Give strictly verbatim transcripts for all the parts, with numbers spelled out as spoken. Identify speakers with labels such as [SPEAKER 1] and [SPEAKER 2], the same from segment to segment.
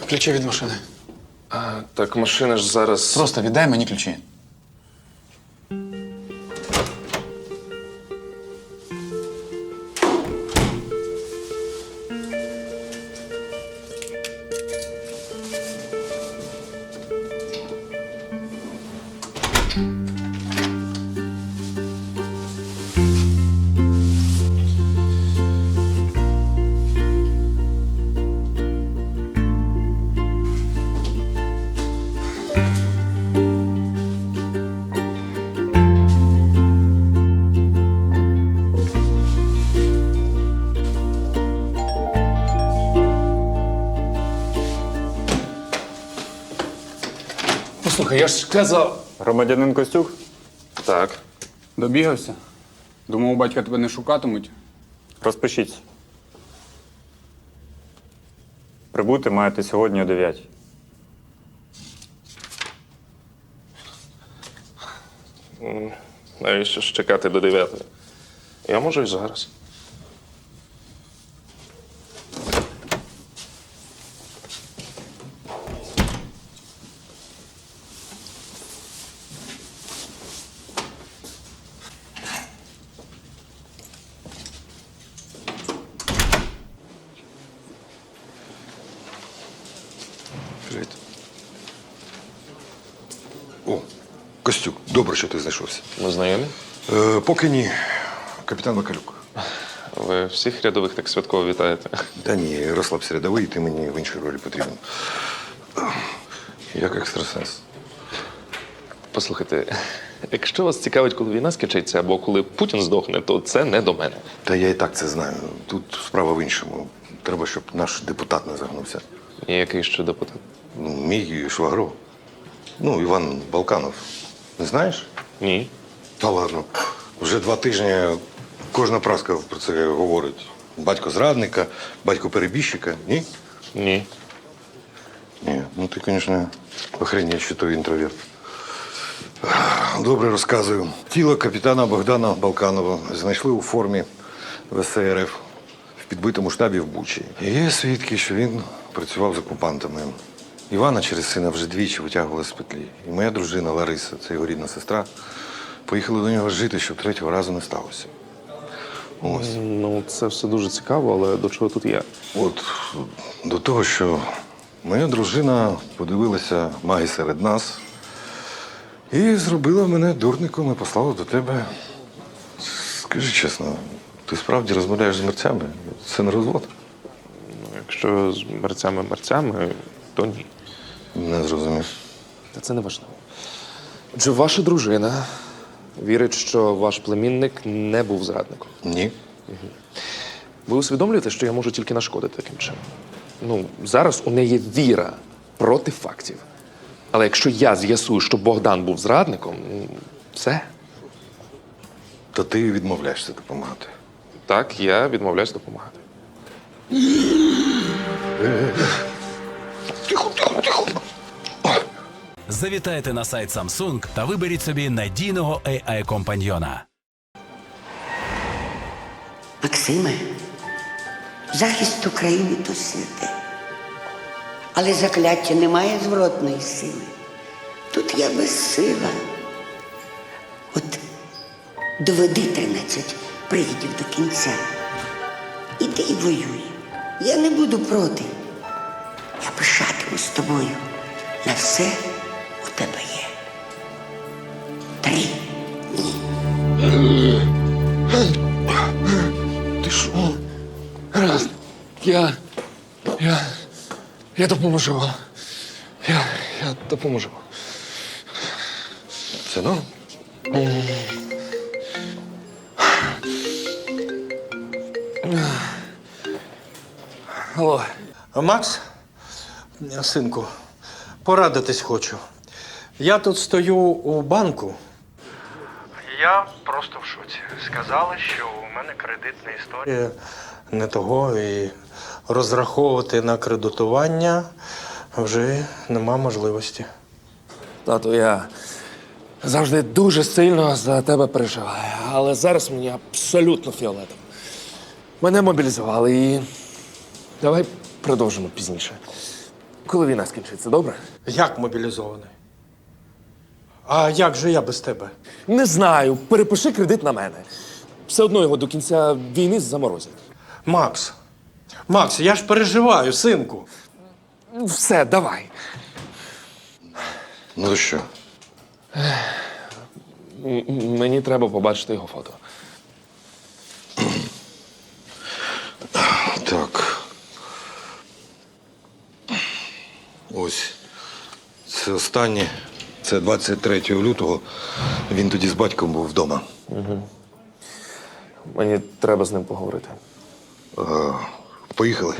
[SPEAKER 1] ключі від машини.
[SPEAKER 2] А, так машина ж зараз.
[SPEAKER 1] Просто віддай мені ключі. Послухай, я ж казав.
[SPEAKER 3] Громадянин Костюк?
[SPEAKER 2] Так.
[SPEAKER 3] Добігався. Думав, батька тебе не шукатимуть. Розпишіться. Прибути маєте сьогодні о дев'ятій.
[SPEAKER 2] Навіщо ж чекати до дев'ятої? Я можу і зараз.
[SPEAKER 4] Привіт. О, Костюк, добре, що ти знайшовся.
[SPEAKER 2] Ми знайомі?
[SPEAKER 4] Е, поки ні. Капітан Бакалюк.
[SPEAKER 2] Ви всіх рядових так святково вітаєте.
[SPEAKER 4] Та ні, розслабся рядовий, ти мені в іншій ролі потрібен. Як екстрасенс.
[SPEAKER 2] Послухайте, якщо вас цікавить, коли війна скінчиться або коли Путін здохне, то це не до мене.
[SPEAKER 4] Та я і так це знаю. Тут справа в іншому. Треба, щоб наш депутат не загнувся.
[SPEAKER 2] І який ще депутат?
[SPEAKER 4] Ну, мій швагро. Ну, Іван Балканов. Не знаєш?
[SPEAKER 2] Ні.
[SPEAKER 4] Та ладно. Вже два тижні кожна праска про це говорить. Батько зрадника, батько перебіжчика. Ні?
[SPEAKER 2] Ні.
[SPEAKER 4] Ні. Ну ти, звісно, охренеть, що той інтроверт. Добре розказую. Тіло капітана Богдана Балканова знайшли у формі В С Р Ф в підбитому штабі в Бучі. І є свідки, що він працював з окупантами. Івана через сина вже двічі витягували з петлі. І моя дружина Лариса, це його рідна сестра, поїхали до нього жити, щоб третього разу не сталося. Ось.
[SPEAKER 2] Ну, це все дуже цікаво, але до чого тут я?
[SPEAKER 4] От до того, що моя дружина подивилася маги серед нас і зробила мене дурником і послала до тебе. Скажи чесно, ти справді розмовляєш з мерцями? Це не розвод?
[SPEAKER 2] Ну, якщо з мерцями-мерцями, то ні.
[SPEAKER 4] Не зрозумів.
[SPEAKER 2] Та це не важливо. Отже, ваша дружина вірить, що ваш племінник не був зрадником.
[SPEAKER 4] Ні.
[SPEAKER 2] Ви усвідомлюєте, що я можу тільки нашкодити таким чином? Ну, зараз у неї віра проти фактів. Але якщо я з'ясую, що Богдан був зрадником, ну, все.
[SPEAKER 4] То ти відмовляєшся допомагати.
[SPEAKER 2] Так, я відмовляюсь допомагати.
[SPEAKER 4] Тихо, тихо, тихо.
[SPEAKER 5] Завітайте на сайт Samsung та виберіть собі надійного ей ай-компаньйона.
[SPEAKER 6] Максиме, захист України – то святе. Але закляття не має зворотної сили. Тут я безсила. От доведи тринадцять привідів до кінця. Іди і воюй. Я не буду проти. Я пишатимусь з тобою. На все у тебе є. Три дні.
[SPEAKER 1] Ти що? Гаразд. Я. Я. Я допоможу вам. Я. Я допоможу.
[SPEAKER 4] Це ну?
[SPEAKER 1] Алло.
[SPEAKER 7] Макс, синку, порадитись хочу. Я тут стою у банку. Я просто в шоці. Сказали, що у мене кредитна історія не того, і розраховувати на кредитування вже нема можливості.
[SPEAKER 1] Тату, я завжди дуже сильно за тебе переживаю, але зараз мені абсолютно фіолетово. Мене мобілізували і давай продовжимо пізніше. коли війна скінчиться, добре?
[SPEAKER 7] Як мобілізований? А як же я без тебе?
[SPEAKER 1] Не знаю, перепиши кредит на мене. Все одно його до кінця війни заморозять.
[SPEAKER 7] Макс, Макс, я ж переживаю, синку.
[SPEAKER 1] Все, давай.
[SPEAKER 4] Ну то що?
[SPEAKER 1] М- м- Мені треба побачити його фото.
[SPEAKER 4] Так. Ось. Це останнє. Це двадцять третього лютого. Він тоді з батьком був вдома.
[SPEAKER 1] Мені треба з ним поговорити.
[SPEAKER 4] Е, Поїхали.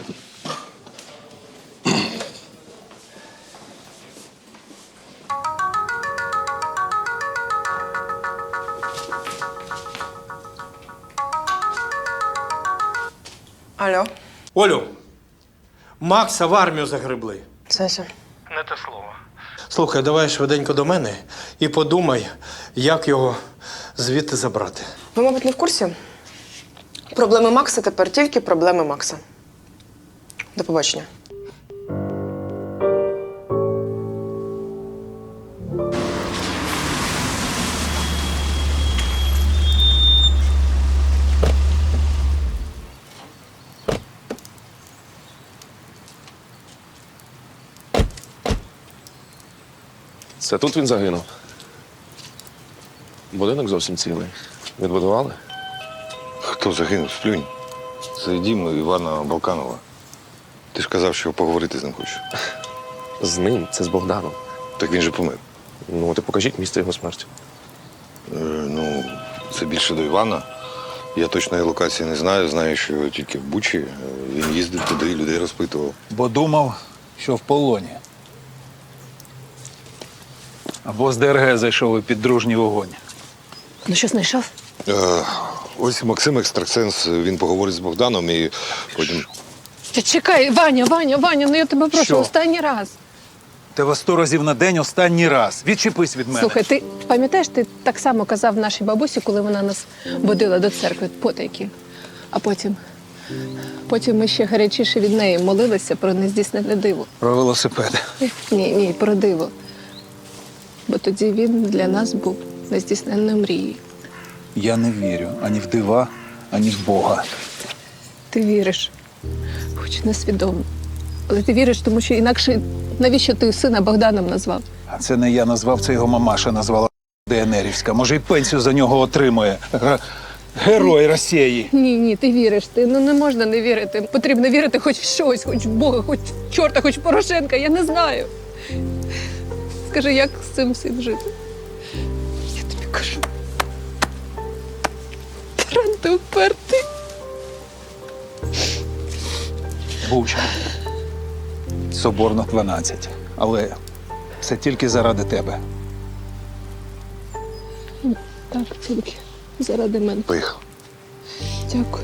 [SPEAKER 8] Алло,
[SPEAKER 7] Олю, Макса в армію загребли.
[SPEAKER 8] Сеся.
[SPEAKER 7] Не те слово. Слухай, давай швиденько до мене і подумай, як його звідти забрати.
[SPEAKER 8] Ви, мабуть, не в курсі? Проблеми Макса тепер тільки проблеми Макса. До побачення.
[SPEAKER 1] Це тут він загинув. Будинок зовсім цілий. Відбудували?
[SPEAKER 4] Хто загинув? Сплюнь. Це дім Івана Балканова. Ти ж казав, що поговорити з ним хочеш.
[SPEAKER 1] З ним, це з Богданом.
[SPEAKER 4] Так він же помер.
[SPEAKER 1] Ну, ти покажіть місце його смерті.
[SPEAKER 4] Е, ну, це більше до Івана. Я точної локації не знаю. Знаю, що тільки в Бучі. Е, Він їздив туди, людей розпитував.
[SPEAKER 9] Бо думав, що в полоні. Або з ДРГ зайшов у піддружній вогонь.
[SPEAKER 8] Ну що, знайшов?
[SPEAKER 4] Е, ось Максим Екстрасенс, він поговорить з Богданом і потім.
[SPEAKER 10] Та чекай, Ваня, Ваня, Ваня, ну я тебе прошу,
[SPEAKER 9] Що?
[SPEAKER 10] останній раз.
[SPEAKER 9] Тебе сто разів на день останній раз. Відчепись від мене.
[SPEAKER 10] Слухай, ти пам'ятаєш, ти так само казав нашій бабусі, коли вона нас водила до церкви потайки. А потім, потім ми ще гарячіше від неї молилися про нездійснене диво.
[SPEAKER 9] Про велосипед.
[SPEAKER 10] Ні, ні, про диво. Бо тоді він для нас був нездійсненною мрією.
[SPEAKER 9] Я не вірю ані в дива, ані в Бога.
[SPEAKER 10] Ти віриш, хоч несвідомо. Але ти віриш, тому що інакше навіщо ти сина Богданом назвав?
[SPEAKER 9] А це не я назвав, це його мамаша назвала ДНРівська. Може, і пенсію за нього отримує. Г- Герой Росії.
[SPEAKER 10] Ні, ні, ти віриш. Ти ну не можна не вірити. Потрібно вірити хоч в щось, хоч в Бога, хоч в чорта, хоч в Порошенка. Я не знаю. Скажи, як з цим всім жити? Я тобі кажу. Таран, ти впертий.
[SPEAKER 9] Буча. Соборно дванадцять. Але це тільки заради тебе.
[SPEAKER 10] Так, тільки заради мене.
[SPEAKER 4] Поїхав.
[SPEAKER 10] Дякую.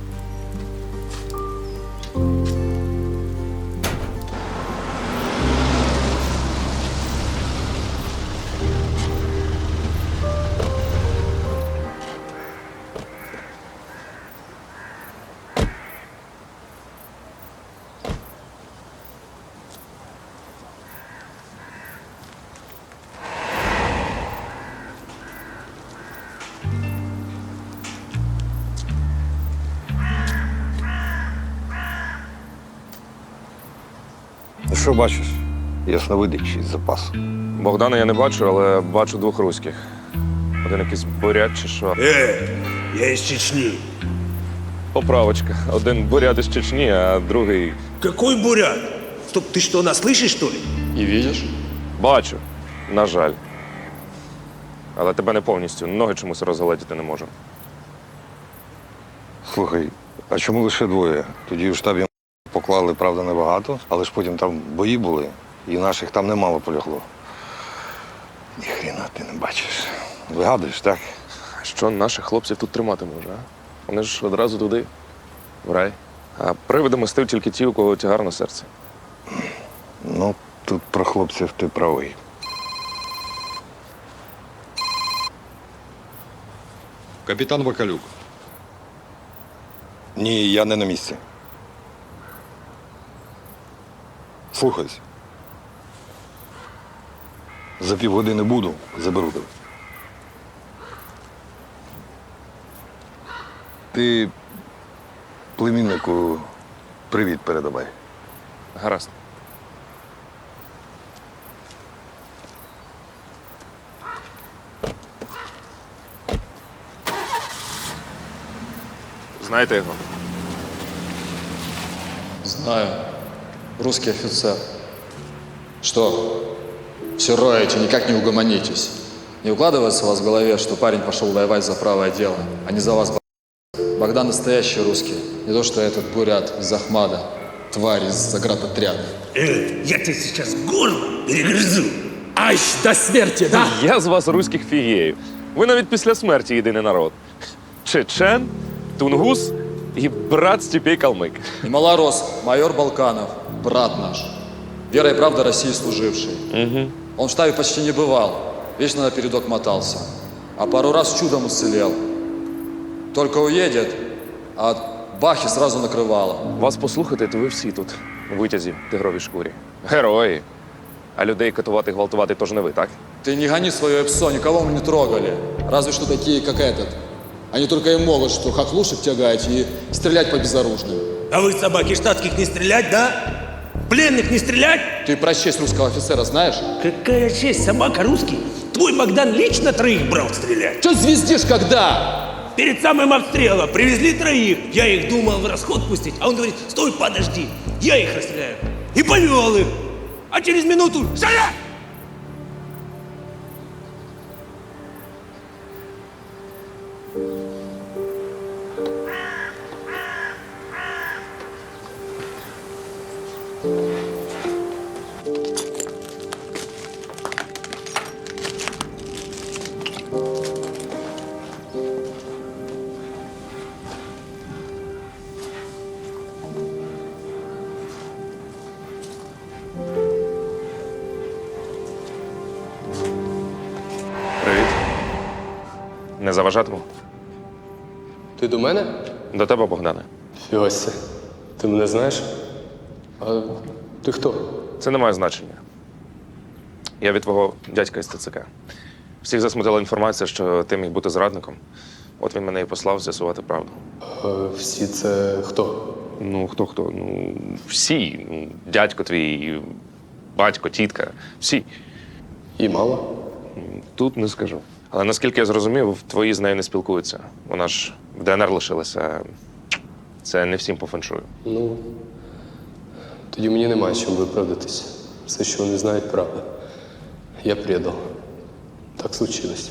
[SPEAKER 4] Ну що бачиш? Ясновидяч із запасу.
[SPEAKER 1] Богдана я не бачу, але бачу двох руських. Один якийсь бурят чи що.
[SPEAKER 11] Э, я из Чечни.
[SPEAKER 1] Поправочка. Один бурят із Чечні, а другий.
[SPEAKER 11] Какой бурят? Стоп, ты что, нас слышишь, что ли?
[SPEAKER 1] І видиш? Бачу. На жаль. Але тебе не повністю. Ноги чомусь розгледіти не можу.
[SPEAKER 4] Слухай, а чому лише двоє? Тоді у штабі поклали, правда, небагато, але ж потім там бої були, і наших там немало полягло. Ніхрена ти не бачиш. Вигадуєш, так?
[SPEAKER 1] Що наших хлопців тут тримати може, а? Вони ж одразу туди, в рай. А привиди мостив тільки ті, у кого тягар на серці.
[SPEAKER 4] Ну, тут про хлопців ти правий. Капітан Вакалюк. Ні, я не на місці. Слухайся, За півгодини буду, заберу тебе. Ти племіннику привіт передавай.
[SPEAKER 2] Гаразд. Знаєте його?
[SPEAKER 12] Знаю. Русский офицер. Что? Все роете, никак не угомонитесь. Не укладывается у вас в голове, что парень пошел воевать за правое дело, а не за вас. Богдан настоящий русский. Не то, что этот бурят из Ахмада. Тварь из заградотряда.
[SPEAKER 11] Э, я тебе сейчас горло перегрызу. Аж до смерти, да?
[SPEAKER 2] Я з вас руських фігеїв. Ви навіть після смерті єдиний народ. Чечен, тунгус і брат Степей Калмик.
[SPEAKER 12] И малорос, майор Балканов, брат наш. Вера и правда России служивший.
[SPEAKER 2] Угу.
[SPEAKER 12] Он в штабе почти не бывал. Вечно на передок мотался. А пару раз чудом уцелел. Только уедет, а от бахи сразу накрывало.
[SPEAKER 2] Вас послухати, то ви всі тут, у витязі, тигровій шкурі. Герої. А людей катувати, гвалтувати теж не ви, так?
[SPEAKER 12] Ты не гони свое псо, никого мы не трогали. Разве что такие, как этот. Они только и могут, что хохлушек тягать и стрелять по безоружным.
[SPEAKER 11] А вы, собаки штатских, не стрелять, да? Пленных не стрелять?
[SPEAKER 12] Ты про честь русского офицера знаешь?
[SPEAKER 11] Какая честь, собака русский? Твой Богдан лично троих брал стрелять.
[SPEAKER 12] Че звездишь когда?
[SPEAKER 11] Перед самым обстрелом привезли троих. Я их думал в расход пустить, а он говорит, стой, подожди, я их расстреляю. И повел их. А через минуту шаля!
[SPEAKER 2] Привіт. Не заважатиму?
[SPEAKER 13] Ти до мене?
[SPEAKER 2] До тебе, Богдане.
[SPEAKER 13] Фіося, ти мене знаєш? А ти хто?
[SPEAKER 2] Це не має значення. Я від твого дядька із ТЦК. Всіх засмутила інформація, що ти міг бути зрадником. От він мене і послав з'ясувати правду.
[SPEAKER 13] А всі це хто?
[SPEAKER 2] Ну, хто-хто? Ну, всі. Ну, дядько твій, батько, тітка. Всі.
[SPEAKER 13] І мало?
[SPEAKER 2] Тут не скажу. Але наскільки я зрозумів, твої з нею не спілкуються. Вона ж в ДНР лишилася. Це не всім по феншую.
[SPEAKER 13] Ну, тоді мені немає чим виправдатись. Все, що вони знають, правда. Я предал. Так случилось.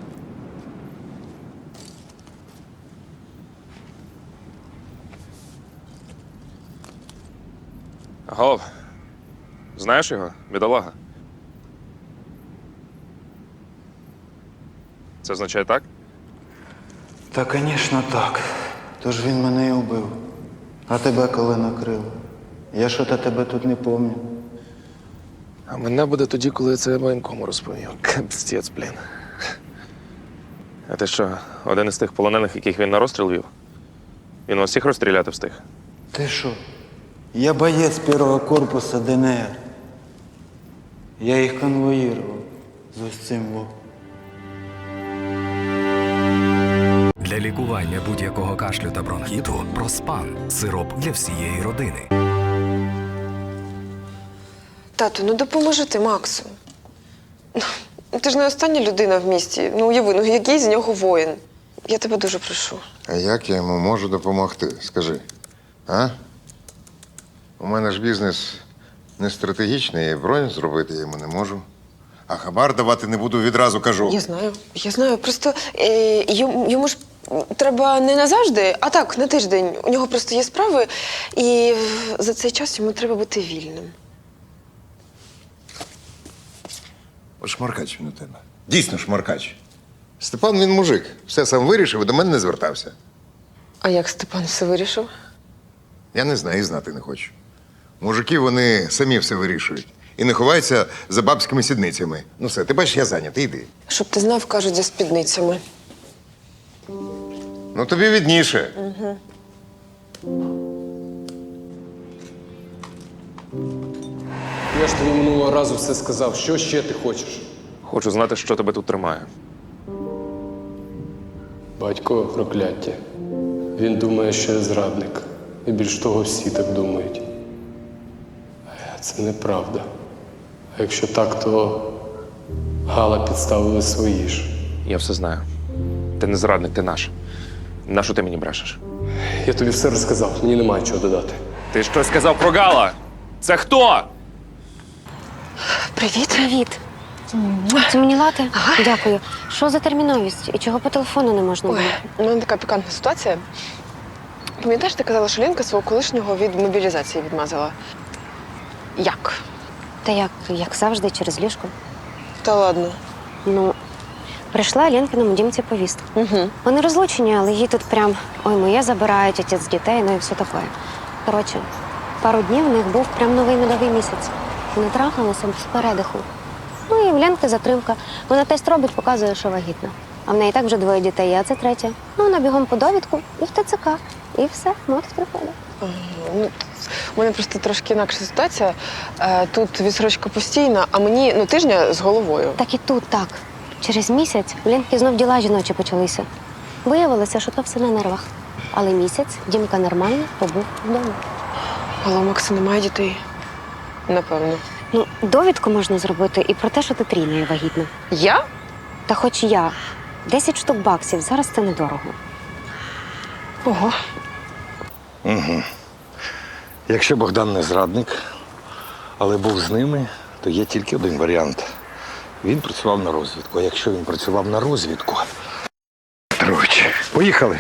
[SPEAKER 2] Голов, знаєш його, бідолага? Це означає так?
[SPEAKER 14] Та, звісно, так. Тож він мене і вбив. А тебе коли накрило? Я що-то тебе тут не пам'ятаю.
[SPEAKER 2] А мене буде тоді, коли я це воєнкому розповів. Капстець, блін. А ти що, один із тих полонених, яких він на розстріл вів? Він вас всіх розстріляти встиг?
[SPEAKER 14] Ти що? Я боєць першого корпусу ДНР. Я їх конвоїрував з ось цим во.
[SPEAKER 15] Для лікування будь-якого кашлю та бронхіту Проспан – сироп для всієї родини.
[SPEAKER 8] Тату, ну допоможи ти Максу. Ну, ти ж не остання людина в місті. Ну уяви, ну який з нього воїн. Я тебе дуже прошу.
[SPEAKER 16] А як я йому можу допомогти? Скажи. А? У мене ж бізнес не стратегічний, і бронь зробити я йому не можу. А хабар давати не буду, відразу кажу.
[SPEAKER 8] Я знаю, я знаю. Просто е, йому, йому ж треба не назавжди, а так, на тиждень. У нього просто є справи, і за цей час йому треба бути вільним.
[SPEAKER 16] От шмаркач він у тебе. Дійсно шмаркач. Степан він мужик. Все сам вирішив і до мене не звертався.
[SPEAKER 8] А як Степан все вирішив?
[SPEAKER 16] Я не знаю і знати не хочу. Мужики, вони самі все вирішують. І не ховаються за бабськими сідницями. Ну все, ти бачиш, я зайнятий, йди.
[SPEAKER 8] Щоб ти знав, кажуть, за спідницями.
[SPEAKER 16] Ну тобі відніше.
[SPEAKER 8] Угу.
[SPEAKER 13] Я ж тобі минулого разу все сказав. Що ще ти хочеш?
[SPEAKER 2] Хочу знати, що тебе тут тримає.
[SPEAKER 13] Батько прокляття. Він думає, що я зрадник. І більш того, всі так думають. А це неправда. А якщо так, то Гала підставили свої ж.
[SPEAKER 2] Я все знаю. Ти не зрадник, ти наш. Нащо ти мені брешеш?
[SPEAKER 13] Я тобі все розказав, мені немає чого додати.
[SPEAKER 2] Ти щось сказав про Гала? Це хто?
[SPEAKER 8] Привіт.
[SPEAKER 17] Привіт. Це мені лати? Дякую. Що за терміновість? І чого по телефону не можна було?
[SPEAKER 8] Ой, у мене така пікантна ситуація. Пам'ятаєш, ти казала, що Ленка свого колишнього від мобілізації відмазала? Як?
[SPEAKER 17] Та як, як завжди, через ліжко.
[SPEAKER 8] Та ладно.
[SPEAKER 17] Ну, прийшла Ленкиному дімці повістка.
[SPEAKER 8] Угу.
[SPEAKER 17] Вони розлучені, але їй тут прям ой, моє забирають, отець дітей, ну і все таке. Коротше, пару днів в них був прям новий медовий місяць. Вони трахалися з передиху. Ну і в Ленки затримка. Вона тест робить, показує, що вагітна. А в неї так вже двоє дітей, а це третє. Ну, вона бігом по довідку і в ТЦК. І все, мотик приходить.
[SPEAKER 8] Ага, ну, у мене просто трошки інакша ситуація. Е, Тут відсрочка постійна, а мені ну, тижня з головою.
[SPEAKER 17] Так і тут так. Через місяць в Ленки знов діла жіночі почалися. Виявилося, що то все на нервах. Але місяць Дімка нормально побув вдома.
[SPEAKER 8] Але у Макса немає дітей. Напевно.
[SPEAKER 17] Ну, довідку можна зробити і про те, що ти трійною вагітна.
[SPEAKER 8] Я?
[SPEAKER 17] Та хоч я. Десять штук баксів, зараз це недорого.
[SPEAKER 8] Ого.
[SPEAKER 4] Угу. Якщо Богдан не зрадник, але був з ними, то є тільки один варіант. Він працював на розвідку. А якщо він працював на розвідку. Петрович, поїхали.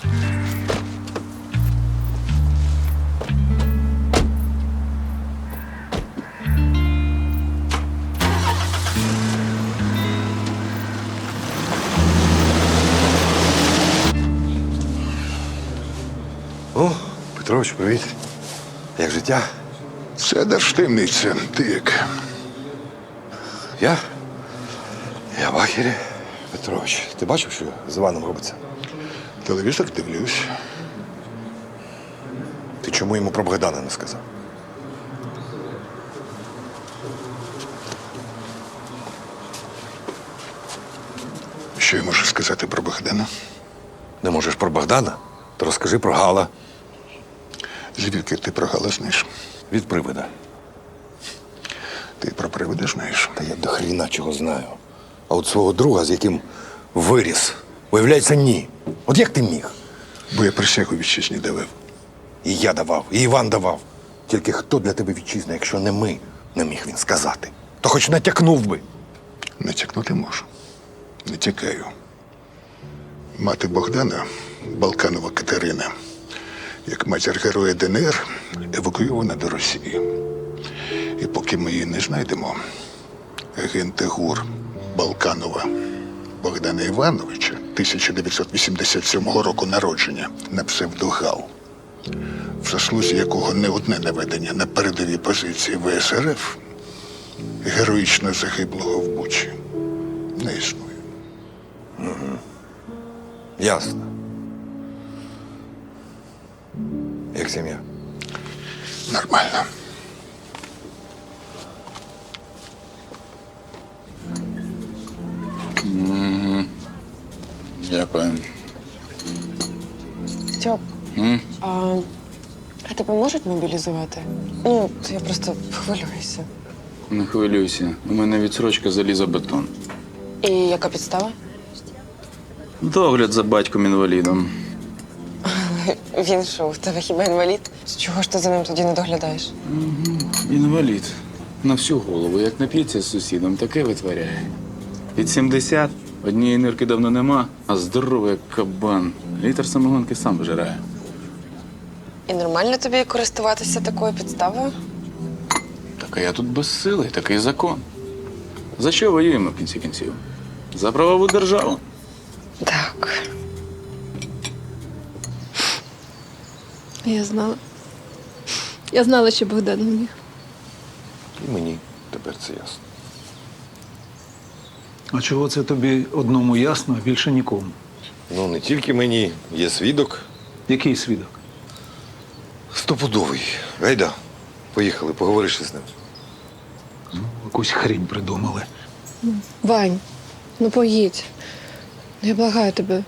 [SPEAKER 4] О, Петрович, привіт. Як життя?
[SPEAKER 18] Це держтаємниця. Ти як?
[SPEAKER 4] Я? Я в ахері. Петрович, ти бачив, що з Іваном робиться?
[SPEAKER 18] Телевізор дивлюсь.
[SPEAKER 4] Ти чому йому про Богдана не сказав?
[SPEAKER 18] Що я можу сказати про Богдана?
[SPEAKER 4] Не можеш про Богдана? То розкажи про Гала.
[SPEAKER 18] Звідки ти про Гала знаєш?
[SPEAKER 4] Від привида.
[SPEAKER 18] Ти про привида знаєш?
[SPEAKER 4] Та я до хріна чого знаю. А от свого друга, з яким виріс, виявляється, ні. От як ти міг?
[SPEAKER 18] Бо я присягу вітчизні давав.
[SPEAKER 4] І я давав, і Іван давав. Тільки хто для тебе вітчизна, якщо не ми, не міг він сказати. То хоч натякнув би.
[SPEAKER 18] Натякнути можу. Не тікаю. Мати Богдана, Балканова Катерина, як матір героя ДНР, евакуйована до Росії. І поки ми її не знайдемо, агенти ГУР Балканова Богдана Івановича, тисяча дев'ятсот вісімдесят сьомого року народження, на псевдогал, в заслузі якого не одне наведення на передові позиції ВСРФ, героїчно загиблого в Бучі, не існує.
[SPEAKER 4] Угу. Ясно. Як сім'я?
[SPEAKER 18] Нормально.
[SPEAKER 3] Угу. Дякую.
[SPEAKER 8] Стьоп,
[SPEAKER 3] М?
[SPEAKER 8] а, а тебе можуть мобілізувати? Ну, то я просто хвилююся.
[SPEAKER 3] Не хвилюйся. У мене відсрочка залізобетон.
[SPEAKER 8] І яка підстава?
[SPEAKER 3] Догляд за батьком-інвалідом.
[SPEAKER 8] Він що, у тебе хіба інвалід? Чого ж ти за ним тоді не доглядаєш?
[SPEAKER 3] Угу. Інвалід. На всю голову. Як нап'ється з сусідом, таке витворяє. Під сімдесят, однієї нирки давно нема, а здоровий як кабан. Літр самогонки сам вижирає.
[SPEAKER 8] І нормально тобі користуватися такою підставою?
[SPEAKER 3] Так а я тут безсилий, такий закон. За що воюємо в кінці кінців? За правову державу.
[SPEAKER 8] Так.
[SPEAKER 10] Я знала. Я знала, що Богдан не міг.
[SPEAKER 4] І мені тепер це ясно.
[SPEAKER 9] А чого це тобі одному ясно, а більше нікому?
[SPEAKER 4] Ну, не тільки мені. Є свідок.
[SPEAKER 9] Який свідок?
[SPEAKER 4] Стопудовий. Гайда, поїхали, поговориш з ним.
[SPEAKER 9] Ну, якусь хрінь придумали.
[SPEAKER 10] Вань, ну поїдь. Ну, я благаю тебе.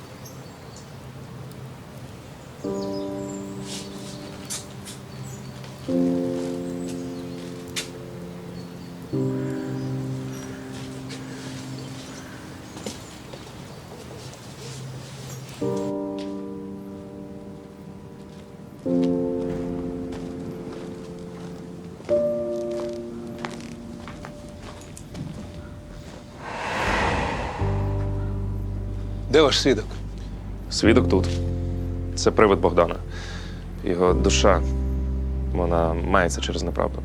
[SPEAKER 9] Де ваш свідок?
[SPEAKER 2] Свідок тут. Це привид Богдана. Його душа, вона мається через неправду.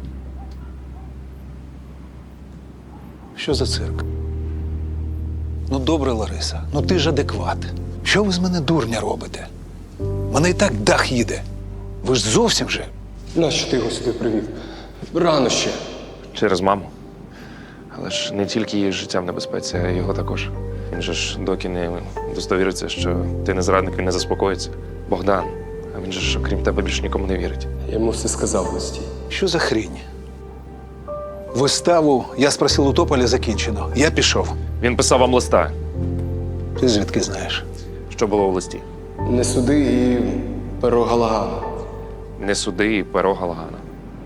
[SPEAKER 9] Що за цирк? Ну, добре, Лариса, ну ти ж адекват. Що ви з мене дурня робите? Мене і так дах їде. Ви ж зовсім же.
[SPEAKER 13] Нащо ти його сюди привів? Рано ще.
[SPEAKER 2] Через маму. Але ж не тільки її життя в небезпеці, а й його також. Він же ж доки не достовіриться, що ти не зрадник, він не заспокоїться. Богдан, а він же ж, окрім тебе, більше нікому не вірить.
[SPEAKER 13] Я йому все сказав в листі.
[SPEAKER 9] Що за хрінь? Виставу «Я спросив у Тополя» закінчено. Я пішов.
[SPEAKER 2] Він писав вам листа.
[SPEAKER 9] Ти звідки знаєш?
[SPEAKER 2] Що було в листі?
[SPEAKER 13] Не суди і перо Галагана.
[SPEAKER 2] Не суди і перо Галагана.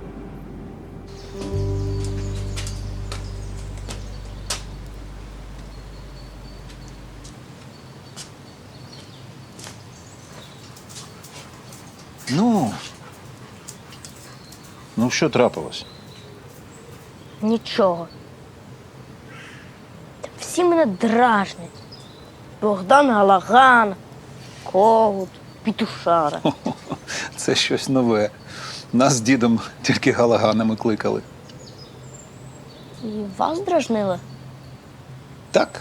[SPEAKER 9] Ну. Ну, що трапилось?
[SPEAKER 19] Нічого. Та всі мене дражнять. Богдан Галаган, Когут, Пітушара.
[SPEAKER 9] Це щось нове. Нас з дідом тільки Галаганами кликали.
[SPEAKER 19] І вас дражнили?
[SPEAKER 9] Так.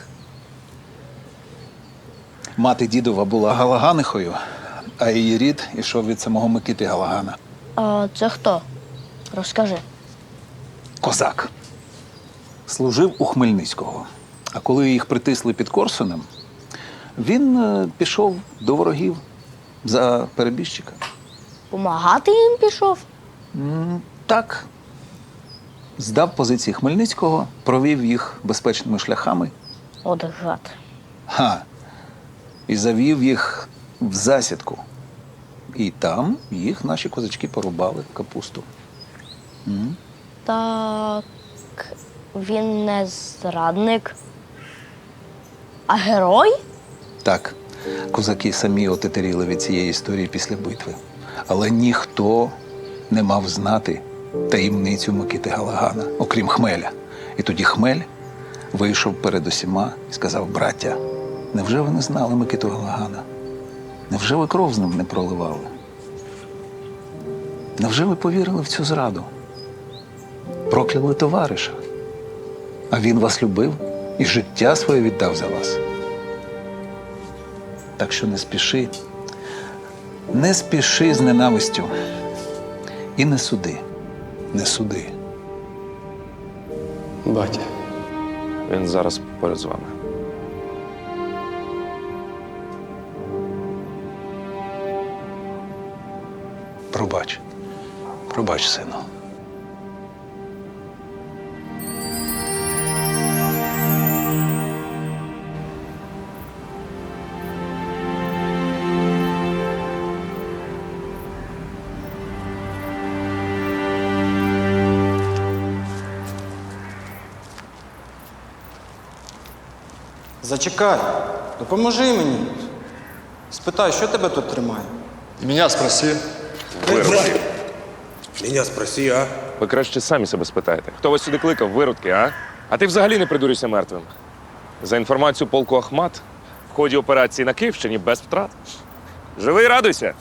[SPEAKER 9] Мати дідова була Галаганихою, а її рід ішов від самого Микити Галагана.
[SPEAKER 19] А це хто? Розкажи.
[SPEAKER 9] Козак. Служив у Хмельницького. А коли їх притисли під Корсунем, він е, пішов до ворогів за перебіжчика.
[SPEAKER 19] Помагати їм пішов?
[SPEAKER 9] М, Так. Здав позиції Хмельницького, провів їх безпечними шляхами.
[SPEAKER 19] От гад.
[SPEAKER 9] Ха. І завів їх в засідку. І там їх наші козачки порубали капусту. М.
[SPEAKER 19] Так він не зрадник, а герой?
[SPEAKER 9] Так, козаки самі отетеріли від цієї історії після битви. Але ніхто не мав знати таємницю Микити Галагана, окрім Хмеля. І тоді Хмель вийшов перед усіма і сказав: браття, невже ви не знали Микиту Галагана? Невже ви кров з ним не проливали? Невже ви повірили в цю зраду? Прокляли товариша. А він вас любив і життя своє віддав за вас. Так що не спіши, не спіши з ненавистю. І не суди, не суди.
[SPEAKER 13] Батя.
[SPEAKER 2] Він зараз поряд з вами.
[SPEAKER 9] Пробач, пробач, сину.
[SPEAKER 14] Зачекай, допоможи мені. Спитай, що тебе тут тримає?
[SPEAKER 12] Меня спроси.
[SPEAKER 2] Виродки.
[SPEAKER 11] Меня спроси, а?
[SPEAKER 2] Ви краще самі себе спитаєте. Хто вас сюди кликав, виродки, а? А ти взагалі не придурюйся мертвим. За інформацією полку Ахмат, в ході операції на Київщині без втрат. Живий, радуйся.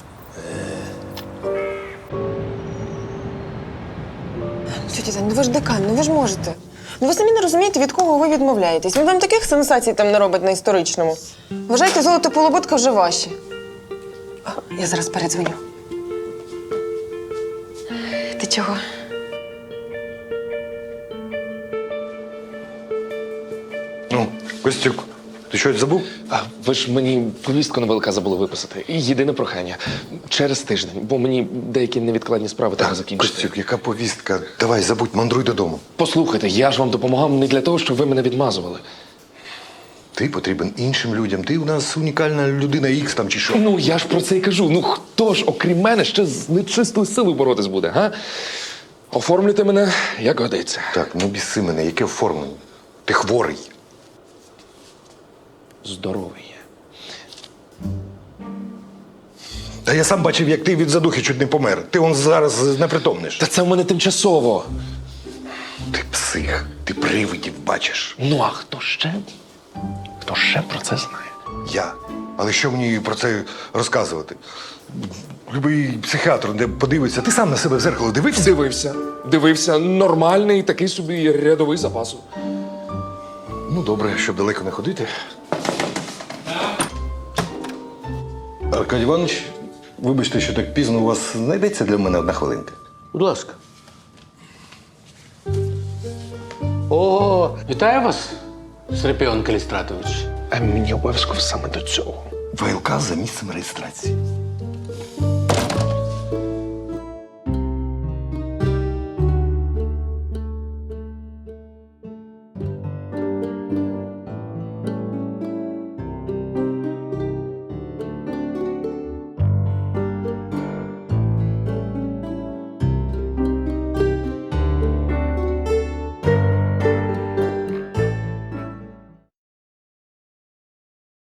[SPEAKER 8] Тетя Тань, ну ви ж декан, ну ви ж можете. Ну ви самі не розумієте, від кого ви відмовляєтесь. Він вам таких сенсацій там не робить на історичному. Вважайте, золото полуботка вже ваші. А, я зараз передзвоню. Ти чого?
[SPEAKER 4] Ну, Костюк, Ти щось забув?
[SPEAKER 2] А ви ж мені повістку на ВЛК забули виписати. І єдине прохання через тиждень, бо мені деякі невідкладні справи треба закінчити.
[SPEAKER 4] Костюк, яка повістка? Давай, забудь, мандруй додому.
[SPEAKER 2] Послухайте, я ж вам допомагав не для того, щоб ви мене відмазували.
[SPEAKER 4] Ти потрібен іншим людям. Ти у нас унікальна людина Ікс там чи що.
[SPEAKER 2] Ну, я ж про це і кажу. Ну, хто ж, окрім мене, ще з нечистою силою боротись буде, га? Оформлюйте мене, як годиться.
[SPEAKER 4] Так, ну біси мене, яке оформлення? Ти хворий.
[SPEAKER 2] Здоровий є.
[SPEAKER 4] Та я сам бачив, як ти від задухи чуть не помер. Ти он зараз непритомниш.
[SPEAKER 2] Та це в мене тимчасово.
[SPEAKER 4] Ти псих, ти привидів бачиш.
[SPEAKER 2] Ну, а хто ще? Хто ще про це знає?
[SPEAKER 4] Я. Але що мені про це розказувати? Любий психіатр, де подивиться, ти сам на себе в зеркало дивився?
[SPEAKER 2] Дивився. Дивився. Нормальний такий собі рядовий запасу.
[SPEAKER 4] Ну, добре, щоб далеко не ходити. Аркадій Іванович, вибачте, що так пізно, у вас знайдеться для мене одна хвилинка.
[SPEAKER 7] Будь ласка. О, вітаю вас, Серпіон Калістратович.
[SPEAKER 2] А мені обов'язково саме до цього.
[SPEAKER 4] ВЛК за місцем реєстрації.